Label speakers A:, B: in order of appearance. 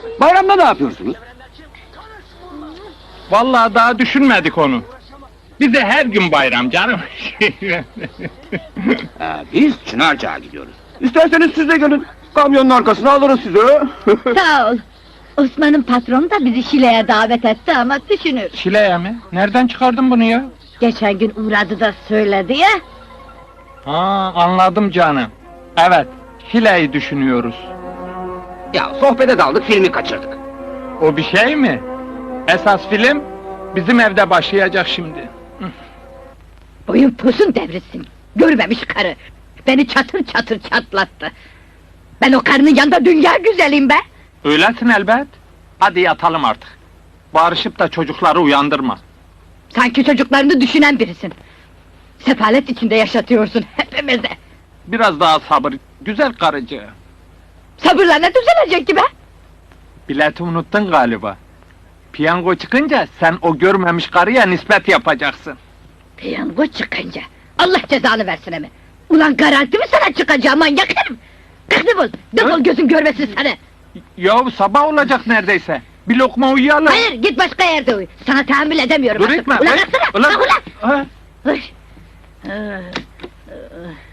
A: Bayramda ne yapıyorsunuz?
B: Vallahi daha düşünmedik onu. Bize her gün bayram canım.
A: Biz Çınarca'ya gidiyoruz. İsterseniz siz de gelin. Kamyonun arkasına alırız sizi.
C: Sağ ol. Osman'ın patronu da bizi Şile'ye davet etti ama düşünür.
B: Şile'ye mi? Nereden çıkardın bunu ya?
C: Geçen gün uğradı da söyledi ya.
B: Ha, anladım canım. Evet, Şile'yi düşünüyoruz.
A: Ya sohbete daldık, filmi kaçırdık.
B: O bir şey mi? Esas film bizim evde başlayacak şimdi.
C: Boyun posun devrilsin. Görmemiş karı. Beni çatır çatır çatlattı. Ben o karının yanında dünya güzelim be.
B: Öylesin elbet. Hadi yatalım artık. Bağırışıp da çocukları uyandırma.
C: Sanki çocuklarını düşünen birisin. Sefalet içinde yaşatıyorsun hepimizi.
B: Biraz daha sabır, güzel karıcı.
C: Sabırla ne düzelecek ki be?
B: Bileti unuttun galiba. Piyango çıkınca sen o görmemiş karıya nispet yapacaksın.
C: Piyango çıkınca. Allah cezanı versin emi. Ulan garanti mi sana çıkacağım manyak herif? Kalk defol, defol gözüm görmesin seni.
B: Yahu sabah olacak neredeyse. Bir lokma uyuyalım.
C: Hayır, git başka yerde uyu. Sana tahammül edemiyorum
B: Dur
C: artık.
B: etme.
C: Ulan kalksana, kalk ulan!
B: Ha?
C: Uy.